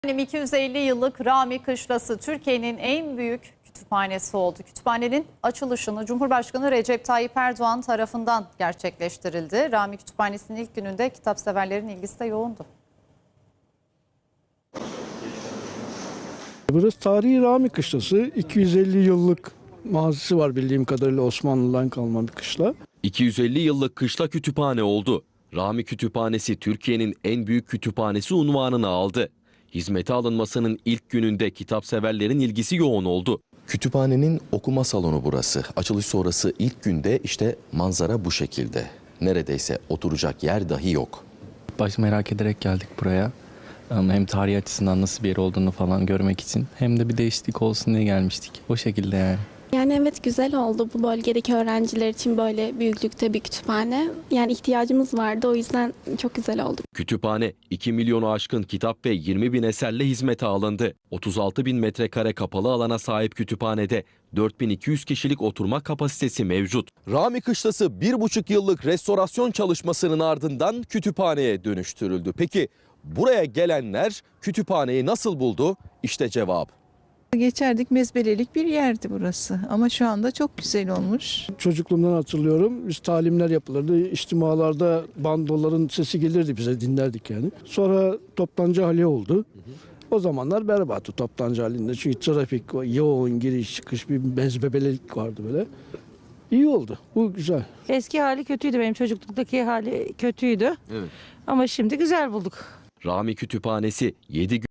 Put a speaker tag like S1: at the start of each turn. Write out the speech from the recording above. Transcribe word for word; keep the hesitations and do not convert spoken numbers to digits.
S1: iki yüz elli yıllık Rami Kışlası Türkiye'nin en büyük kütüphanesi oldu. Kütüphanenin açılışını Cumhurbaşkanı Recep Tayyip Erdoğan tarafından gerçekleştirildi. Rami Kütüphanesi'nin ilk gününde kitapseverlerin ilgisi de yoğundu.
S2: Burası tarihi Rami Kışlası. iki yüz elli yıllık mazisi var bildiğim kadarıyla, Osmanlı'dan kalma bir kışla.
S3: iki yüz elli yıllık kışla kütüphane oldu. Rami Kütüphanesi Türkiye'nin en büyük kütüphanesi unvanını aldı. Hizmete alınmasının ilk gününde kitapseverlerin ilgisi yoğun oldu.
S4: Kütüphanenin okuma salonu burası. Açılış sonrası ilk günde işte manzara bu şekilde. Neredeyse oturacak yer dahi yok.
S5: Baş merak ederek geldik buraya. Hem tarih açısından nasıl bir yer olduğunu falan görmek için hem de bir değişiklik olsun diye gelmiştik. O şekilde yani.
S6: Yani evet, güzel oldu bu bölgedeki öğrenciler için böyle büyüklükte bir kütüphane. Yani ihtiyacımız vardı, o yüzden çok güzel oldu.
S3: Kütüphane iki milyonu aşkın kitap ve yirmi bin eserle hizmete alındı. otuz altı bin metrekare kapalı alana sahip kütüphanede dört bin iki yüz kişilik oturma kapasitesi mevcut. Rami Kışlası bir buçuk yıllık restorasyon çalışmasının ardından kütüphaneye dönüştürüldü. Peki buraya gelenler kütüphaneyi nasıl buldu? İşte cevap.
S7: Geçerdik, mezbelelik bir yerdi burası ama şu anda çok güzel olmuş.
S2: Çocukluğumdan hatırlıyorum. Biz talimler yapılırdı. İçtimalarda bandoların sesi gelirdi, bize dinlerdik yani. Sonra toptancı hali oldu. O zamanlar berbattı toptancı halinde. Çünkü trafik, yoğun giriş çıkış, bir mezbelelik vardı böyle. İyi oldu. Bu güzel.
S8: Eski hali kötüydü, benim çocukluktaki hali kötüydü.
S3: Evet.
S8: Ama şimdi güzel bulduk.
S3: Rami Kütüphanesi yedi gün